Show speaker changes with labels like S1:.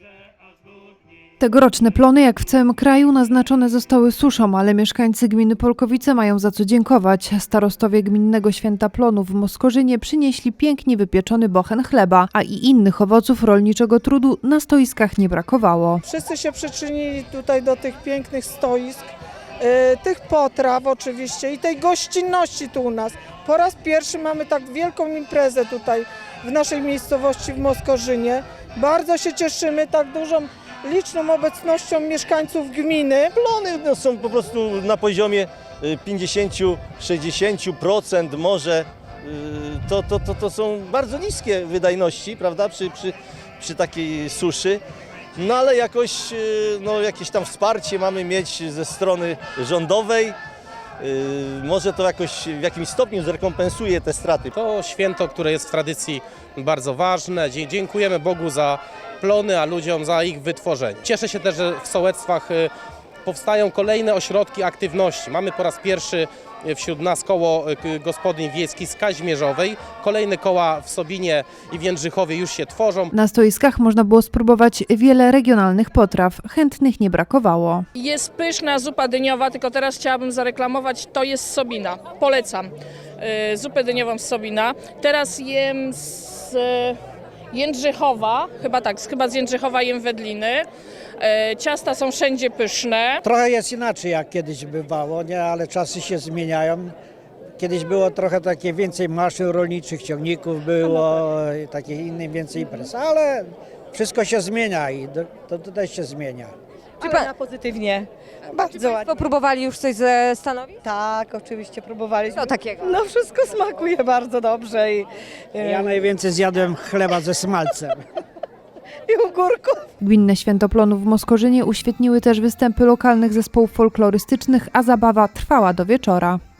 S1: Tegoroczne plony, jak w całym kraju, naznaczone zostały suszą, ale mieszkańcy gminy Polkowice mają za co dziękować. Starostowie gminnego święta plonów w Moskorzynie przynieśli pięknie wypieczony bochen chleba, a i innych owoców rolniczego trudu na stoiskach nie brakowało.
S2: Wszyscy się przyczynili tutaj do tych pięknych stoisk, tych potraw oczywiście i tej gościnności tu u nas. Po raz pierwszy mamy tak wielką imprezę tutaj w naszej miejscowości w Moskorzynie. Bardzo się cieszymy tak dużą, liczną obecnością mieszkańców gminy.
S3: Plony są po prostu na poziomie 50–60% może. To są bardzo niskie wydajności, prawda, przy takiej suszy. No ale jakoś jakieś tam wsparcie mamy mieć ze strony rządowej. Może to jakoś w jakimś stopniu zrekompensuje te straty.
S4: To święto, które jest w tradycji bardzo ważne. Dziękujemy Bogu za plony, a ludziom za ich wytworzenie. Cieszę się też, że w sołectwach powstają kolejne ośrodki aktywności. Mamy po raz pierwszy wśród nas koło gospodyń wiejskich z Kazimierzowej. Kolejne koła w Sobinie i w Jędrzychowie już się tworzą.
S1: Na stoiskach można było spróbować wiele regionalnych potraw. Chętnych nie brakowało.
S5: Jest pyszna zupa dyniowa, tylko teraz chciałabym zareklamować, to jest z Sobina. Polecam zupę dyniową z Sobina. Teraz jem z Jędrzychowa, chyba z Jędrzychowa jem wędliny. Ciasta są wszędzie pyszne.
S6: Trochę jest inaczej jak kiedyś bywało, nie? Ale czasy się zmieniają. Kiedyś było trochę takie więcej maszyn rolniczych, ciągników było, takich innych więcej imprez, ale wszystko się zmienia i to tutaj się zmienia.
S7: Ale na pozytywnie. Bardzo ładnie.
S8: Państwo próbowali już coś ze stanowi?
S7: Tak, oczywiście próbowaliśmy.
S8: Co takiego?
S7: No wszystko smakuje bardzo dobrze
S6: Ja najwięcej zjadłem chleba ze smalcem.
S7: i ogórków.
S1: Gminne święto plonów w Moskorzynie uświetniły też występy lokalnych zespołów folklorystycznych, a zabawa trwała do wieczora.